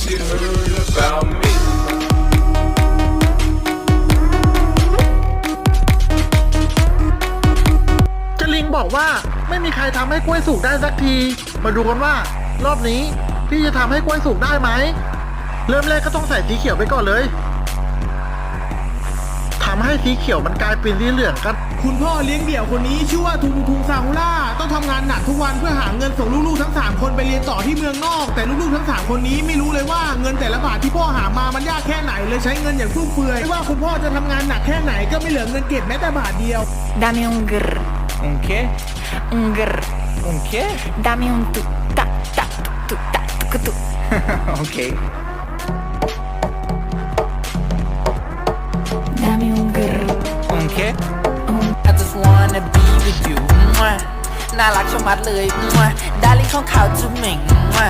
you heard about me. เจลิงบอกว่าไม่มีใครทำให้กล้วยสุกได้สักที มาดูกันว่ารอบนี้พี่จะทำให้กล้วยสุกได้ไหม เริ่มแรกก็ต้องใส่สีเขียวไปก่อนเลยทำให้สีเขียวมันกลายเป็นสีเหลืองกันคุณพ่อเลี้ยงเดี่ยวคนนี้ชื่อว่าทุงซาฮุล่าต้องทำงานหนักทุกวันเพื่อหาเงินส่งลูกๆทั้ง3คนไปเรียนต่อที่เมืองนอก แต่ลูกๆทั้ง3คนนี้ไม่รู้เลยว่าเงินแต่ละบาทที่พ่อหามามันยากแค่ไหนเลยใช้เงินอย่างฟุ่มเฟือยไม่ว่าคุณพ่อจะทำงานหนักแค่ไหนก็ไม่เหลือเงินเก็บแม้แต่บาทเดียว Dame un grr, ¿Un qué? un grr. ¿Un qué? Dame un tu, ta, ta, tu, ta, tu, tu. Ok. Dame un grr, ¿Un qué? I just wanna be with you น่ารักชะมัดเลยดาริ่งของเขาจุ๊บเหม่ง